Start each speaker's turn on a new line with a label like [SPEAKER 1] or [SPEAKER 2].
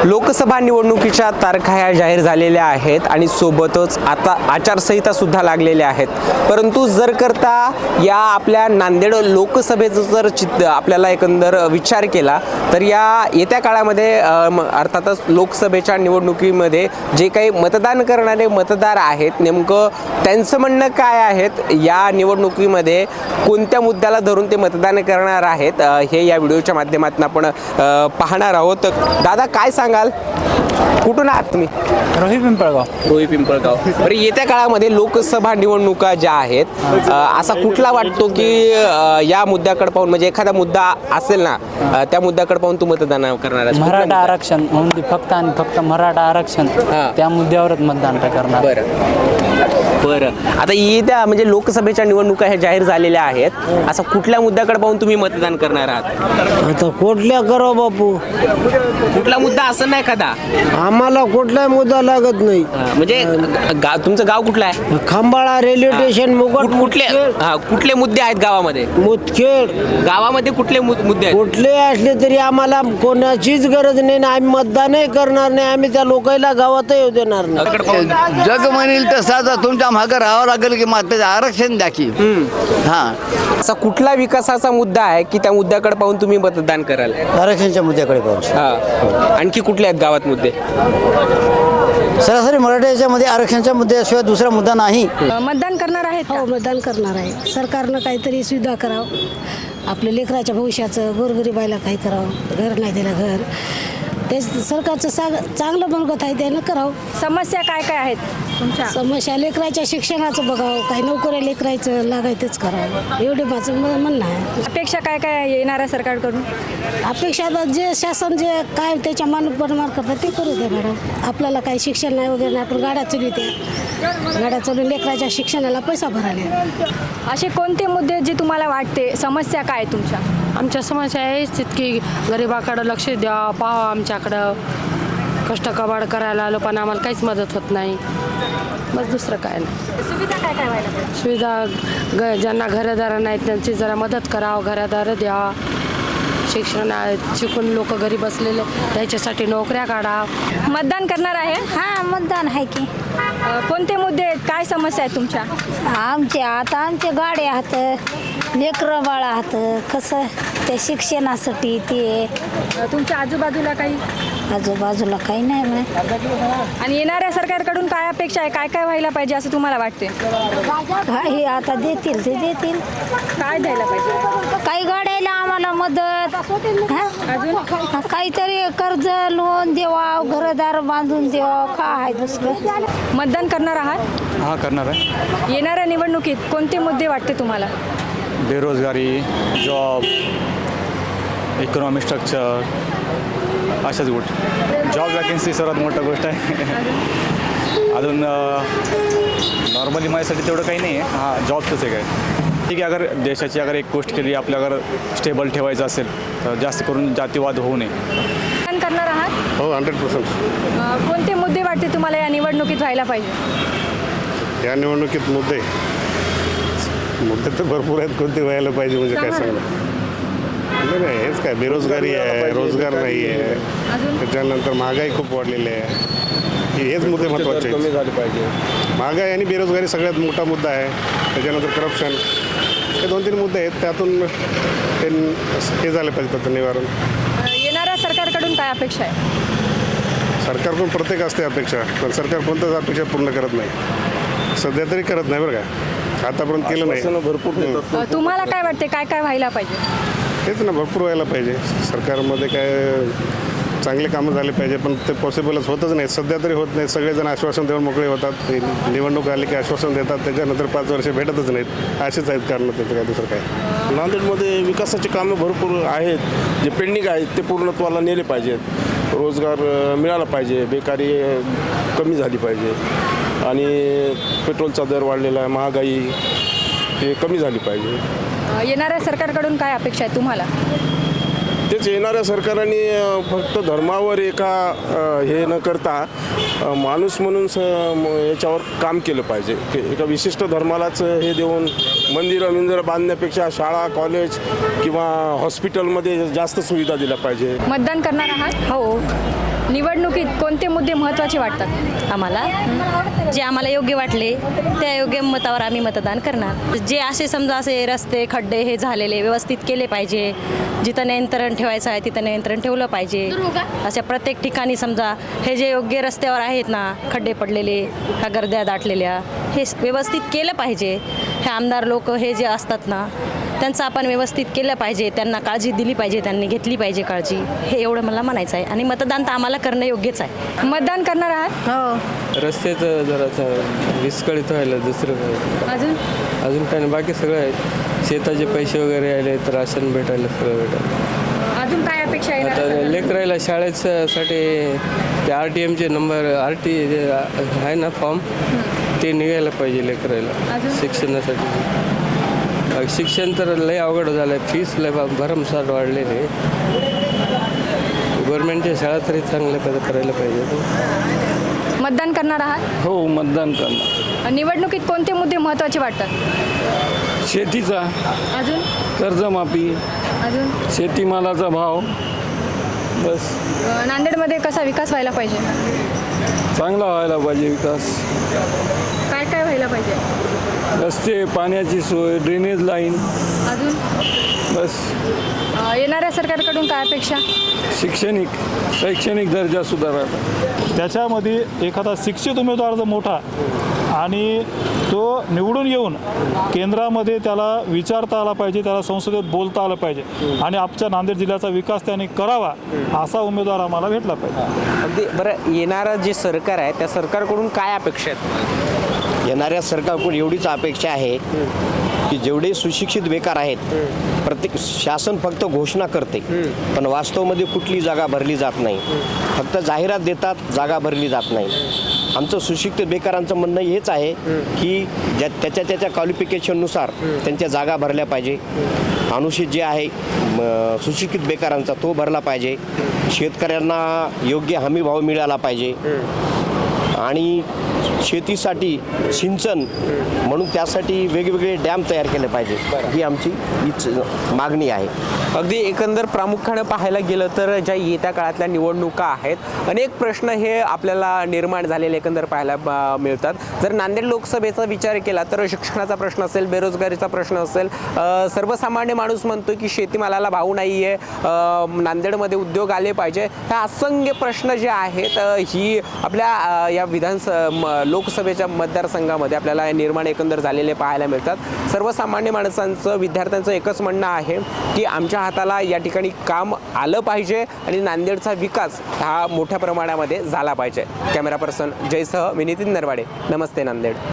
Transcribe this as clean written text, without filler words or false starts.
[SPEAKER 1] लोकसभा निवडणुकीच्या तारखा ह्या जाहीर झालेल्या आहेत आणि सोबतच आता आचारसंहिता सुद्धा लागलेल्या आहेत. परंतु जर करता या आपल्या नांदेड लोकसभेचं जर चित्र आपल्याला एकंदर विचार केला तर या येत्या काळामध्ये अर्थातच लोकसभेच्या निवडणुकीमध्ये जे काही मतदान करणारे मतदार आहेत नेमकं त्यांचं म्हणणं काय आहेत, या निवडणुकीमध्ये कोणत्या मुद्द्याला धरून ते मतदान करणार आहेत हे या व्हिडिओच्या माध्यमातून आपण पाहणार आहोत. दादा काय सांगाल, कुठून आहात तुम्ही? रोही पिंपळगाव. बरं, येत्या काळामध्ये लोकसभा निवडणुका ज्या आहेत असा कुठला वाटतो की या मुद्द्याकडे पाहून, म्हणजे एखादा मुद्दा असेल ना त्या मुद्द्याकडे पाहून तू मतदान करणार आहेस?
[SPEAKER 2] मराठा आरक्षण म्हणून फक्त आणि फक्त मराठा आरक्षण त्या मुद्द्यावरच मतदान करणार.
[SPEAKER 1] बरं, आता येत्या म्हणजे लोकसभेच्या निवडणुका ह्या जाहीर झालेल्या आहेत, असा कुठल्या मुद्द्याकडे पाहून तुम्ही मतदान करणार आहात?
[SPEAKER 3] आता कुठल्या करो बापू,
[SPEAKER 1] कुठला मुद्दा असं नाही एखादा?
[SPEAKER 3] आम्हाला कुठला मुद्दा लागत नाही.
[SPEAKER 1] म्हणजे तुमचं गाव कुठलं आहे?
[SPEAKER 3] खंबाळा रेल्वे स्टेशन मुकुट
[SPEAKER 1] कुठले मुद्दे आहेत गावामध्ये?
[SPEAKER 3] मुदखेड.
[SPEAKER 1] गावामध्ये कुठले मुद्दे आहेत?
[SPEAKER 3] कुठले असले तरी आम्हाला कोणाचीच गरज नाही ना, आम्ही मतदानही करणार नाही, आम्ही त्या लोकांना गावातही येऊ देणार नाही.
[SPEAKER 4] जग म्हणेल तसा तुमच्या मागं राहावं लागेल की मात्र आरक्षण द्या की.
[SPEAKER 1] असा कुठला विकासाचा मुद्दा आहे की त्या मुद्द्याकडे पाहून तुम्ही मतदान कराल?
[SPEAKER 3] आरक्षणच्या मुद्द्याकडे पाहून.
[SPEAKER 1] आणखी कुठले आहेत गावात मुद्दे?
[SPEAKER 3] सरासरी मराठ्याच्या मध्ये आरक्षणच्या मुद्द्याशिवाय दुसरा मुद्दा नाही.
[SPEAKER 5] मतदान करणार आहेत?
[SPEAKER 6] हो, मतदान करणार आहे. सरकारनं काहीतरी सुविधा करावं, आपल्या लेकराच्या भविष्याचं, गोरगरिबाला काही करावं, घर नाही दिलं घर, ते सरकारचं चांगलं मनगत आहे त्यानं करावं.
[SPEAKER 5] समस्या काय काय आहेत तुमच्या?
[SPEAKER 6] समस्या लेकराच्या शिक्षणाचं बघावं, काही नोकऱ्या लेकरायचं लागायचंच करावं, एवढे माझं म्हणणं आहे.
[SPEAKER 5] अपेक्षा काय काय येणाऱ्या सरकारकडून?
[SPEAKER 6] अपेक्षा आता जे शासन जे काय त्याच्या मानप्रमाण करतात ते करू द्या मॅडम. आपल्याला काही शिक्षण नाही वगैरे नाही, आपण गाड्या चालवते, गाड्या चालवून लेकराच्या शिक्षणाला पैसा भरायला.
[SPEAKER 5] असे कोणते मुद्दे जे तुम्हाला वाटते समस्या काय तुमच्या?
[SPEAKER 7] आमच्या समस्या आहे की गरिबाकडं लक्ष द्या, पाहा आमच्याकडं, कष्ट कबाड करायला आलो पण आम्हाला काहीच मदत होत नाही. बस दुसरं काय नाही.
[SPEAKER 5] सुविधा काय काय व्हायला पाहिजे?
[SPEAKER 7] सुविधा ज्यांना घरदार नाहीत त्यांची जरा मदत करावं, घरदार द्या. शिक्षण शिकून लोक घरी बसलेले त्याच्यासाठी नोकऱ्या काढा.
[SPEAKER 5] मतदान करणार आहे?
[SPEAKER 8] हां, मतदान आहे की.
[SPEAKER 5] कोणते मुद्दे आहेत, काय समस्या आहेत तुमच्या?
[SPEAKER 8] आमचे गाड्या आहात, लेकरं बाळ आहात, कसं त्या शिक्षणासाठी ते.
[SPEAKER 5] तुमच्या आजूबाजूला काही?
[SPEAKER 8] आजूबाजूला काही नाही माहीत.
[SPEAKER 5] आणि येणाऱ्या सरकारकडून काय अपेक्षा आहे, काय काय व्हायला पाहिजे असं तुम्हाला वाटते?
[SPEAKER 8] काही आता देतील ते देतील.
[SPEAKER 5] काय द्यायला पाहिजे?
[SPEAKER 8] काही गाड्याला आम्हाला मदत,
[SPEAKER 5] अजून
[SPEAKER 8] काहीतरी कर्ज लोन देवा, घरदार बांधून देवा, काय आहे दुसरं.
[SPEAKER 5] मतदान करणार आहात?
[SPEAKER 9] हां, करणार आहे.
[SPEAKER 5] येणाऱ्या निवडणुकीत कोणते मुद्दे वाटते तुम्हाला?
[SPEAKER 9] बेरोजगारी, जॉब, इकॉनॉमिक स्ट्रक्चर, अशाच गोष्टी. जॉब वॅकन्सी सर्वात मोठा गोष्ट आहे. अजून नॉर्मली माझ्यासाठी तेवढं काही नाही आहे. हां, जॉबचंच आहे काय. ठीक आहे, अगर देशाची अगर एक गोष्ट केली आपल्या अगर स्टेबल ठेवायचं असेल तर जास्त करून जातीवाद होऊ नये.
[SPEAKER 5] मतदान करणार आहात?
[SPEAKER 10] हो, 100%.
[SPEAKER 5] कोणते मुद्दे वाटते तुम्हाला या निवडणुकीत व्हायला पाहिजे?
[SPEAKER 10] या निवडणुकीत मुद्दे तर भरपूर आहेत. कोणते व्हायला पाहिजे म्हणजे काय सांगणार? नाही, हेच काय, बेरोजगारी आहे, रोजगार नाही आहे, त्याच्यानंतर महागाई खूप वाढलेली आहे. हेच मुद्दे महत्त्वाचे आहेत. कमी झाले पाहिजे. महागाई आणि बेरोजगारी सगळ्यात मोठा मुद्दा आहे. त्याच्यानंतर करप्शन, हे 2-3 मुद्दे आहेत. त्यातून हे झाले पाहिजे त्याचं निवारण.
[SPEAKER 5] येणाऱ्या सरकारकडून काय अपेक्षा आहे?
[SPEAKER 10] सरकारकडून प्रत्येक असते अपेक्षा, पण सरकार कोणत्याच अपेक्षा पूर्ण करत नाही. सध्या तरी करत नाही बरं का, आतापर्यंत केलं नाही. भरपूर.
[SPEAKER 5] तुम्हाला काय वाटते, काय काय व्हायला पाहिजे?
[SPEAKER 10] तेच ना, भरपूर व्हायला पाहिजे. सरकारमध्ये काय चांगले कामं झाले पाहिजे, पण ते पॉसिबलच होतच नाही. सध्या तरी होत नाही. सगळेजण आश्वासन देऊन मोकळे होतात. निवडणूक आली की आश्वासन देतात, त्याच्यानंतर 5 वर्ष भेटतच नाहीत. असेच आहेत कारण, त्याचं काय दुसरं काय.
[SPEAKER 11] नांदेडमध्ये विकासाची कामं भरपूर आहेत, जे पेंडिंग आहेत ते पूर्णत्वाला नेले पाहिजेत. रोजगार मिळाला पाहिजे, बेकारी कमी झाली पाहिजे आणि पेट्रोलचा दर वाढलेला आहे, महागाई हे कमी झाली पाहिजे.
[SPEAKER 5] येणाऱ्या सरकारकडून काय अपेक्षा आहे तुम्हाला?
[SPEAKER 11] तेच, येणाऱ्या सरकारने फक्त धर्मावर हे न करता माणूस म्हणून याच्यावर काम केलं पाहिजे. एका विशिष्ट धर्मालाच हे देऊन मंदिरं बांधण्यापेक्षा शाळा, कॉलेज किंवा हॉस्पिटलमध्ये जास्त सुविधा दिल्या पाहिजे.
[SPEAKER 5] मतदान करणार आहात?
[SPEAKER 8] हो.
[SPEAKER 5] निवडणुकीत कोणते मुद्दे महत्त्वाचे वाटतात
[SPEAKER 12] आम्हाला जे आम्हाला योग्य वाटले त्या योग्य मतावर आम्ही मतदान करणार. जे असे समजा असे रस्ते खड्डे हे झालेले व्यवस्थित केले पाहिजे. जिथं नियंत्रण ठेवायचं आहे तिथं नियंत्रण ठेवलं पाहिजे. अशा प्रत्येक ठिकाणी समजा हे जे योग्य रस्त्यावर आहेत ना खड्डे पडलेले ह्या गर्द्या दाटलेल्या हे व्यवस्थित केलं पाहिजे. हे आमदार लोक हे जे असतात ना त्यांचं आपण व्यवस्थित केलं पाहिजे. त्यांना काळजी दिली पाहिजे. त्यांनी घेतली पाहिजे काळजी. हे एवढं मला म्हणायचं आहे. आणि मतदान तर आम्हाला करणं योग्यच आहे.
[SPEAKER 5] मतदान करणार आहात?
[SPEAKER 12] हो.
[SPEAKER 2] रस्त्याचं जरा विस्कळीत व्हायला दुसरं काय अजून काय नाही. बाकी सगळं आहे. शेताचे पैसे वगैरे आले तर राशन भेटायला सगळं भेटायला.
[SPEAKER 5] अजून काय अपेक्षा आहे?
[SPEAKER 2] आता लेकरायला शाळेसाठी ते RTMचे नंबर आहे ना फॉर्म ते निघायला पाहिजे लेकरायला शिक्षणासाठी. शिक्षण तर लय अवघड झालं आहे. फीस लय भरमसाठ वाढलेली आहे. गव्हर्नमेंटच्या शाळा तरी चांगल्या करायला पाहिजे.
[SPEAKER 5] मतदान करणार आहात?
[SPEAKER 2] हो मतदान करणार.
[SPEAKER 5] निवडणुकीत कोणते मुद्दे महत्त्वाचे वाटतात?
[SPEAKER 2] शेतीचा
[SPEAKER 5] अजून
[SPEAKER 2] कर्जमाफी
[SPEAKER 5] अजून
[SPEAKER 2] शेतीमालाचा भाव बस.
[SPEAKER 5] नांदेडमध्ये कसा विकास व्हायला पाहिजे?
[SPEAKER 2] चांगला व्हायला पाहिजे विकास.
[SPEAKER 5] काय काय व्हायला पाहिजे?
[SPEAKER 2] रस्ते पाण्याची सोय ड्रेनेज लाईन
[SPEAKER 5] अजून
[SPEAKER 2] बस.
[SPEAKER 5] येणाऱ्या सरकारकडून काय अपेक्षा?
[SPEAKER 2] शैक्षणिक दर्जा सुधारायचा.
[SPEAKER 13] त्याच्यामध्ये एखादा शिक्षित उमेदवार जर मोठा आणि तो निवडून येऊन केंद्रामध्ये त्याला विचारता आला पाहिजे. त्याला संसदेत बोलता आलं पाहिजे आणि आमच्या नांदेड जिल्ह्याचा विकास त्याने करावा असा उमेदवार आम्हाला भेटला पाहिजे.
[SPEAKER 1] अगदी बरं. येणारं जे सरकार आहे त्या सरकारकडून काय अपेक्षा आहेत?
[SPEAKER 3] येणाऱ्या सरकारकडून एवढीच अपेक्षा आहे की जेवढे सुशिक्षित बेकार आहेत प्रत्येक शासन फक्त घोषणा करते पण वास्तवमध्ये कुठली जागा भरली जात नाही. फक्त जाहिरात देतात, जागा भरली जात नाही. आमचं सुशिक्षित बेकारांचं म्हणणं हेच आहे की त्याच्या क्वालिफिकेशननुसार त्यांच्या जागा भरल्या पाहिजे. अनुसूचित जे आहे सुशिक्षित बेकारांचा तो भरला पाहिजे. शेतकऱ्यांना योग्य हमी भाव मिळाला पाहिजे आणि शेतीसाठी सिंचन म्हणून त्यासाठी वेगवेगळे डॅम तयार केले पाहिजे. ही आमची हीच मागणी आहे.
[SPEAKER 1] अगदी एकंदर प्रामुख्यानं पाहायला गेलं तर ज्या येत्या काळातल्या निवडणुका आहेत अनेक प्रश्न हे आपल्याला निर्माण झालेले एकंदर पाहायला मिळतात. जर नांदेड लोकसभेचा विचार केला तर शिक्षणाचा प्रश्न असेल, बेरोजगारीचा प्रश्न असेल, सर्वसामान्य माणूस म्हणतो की शेतीमालाला भाव नाही आहे, नांदेडमध्ये उद्योग आले पाहिजे. ह्या असंख्य प्रश्न जे आहेत ही आपल्या या लोकसभेच्या मतदारसंघामध्ये आपल्याला निर्माण एकंदर झालेले पाहायला मिळतात. सर्वसामान्य माणसांचं, विद्यार्थ्यांचं एकच म्हणणं आहे की आमच्या हाताला या ठिकाणी काम आलं पाहिजे आणि नांदेडचा विकास हा मोठ्या प्रमाणामध्ये झाला पाहिजे. कॅमेरा पर्सन जयसह मी नितीन नरवाडे. नमस्ते नांदेड.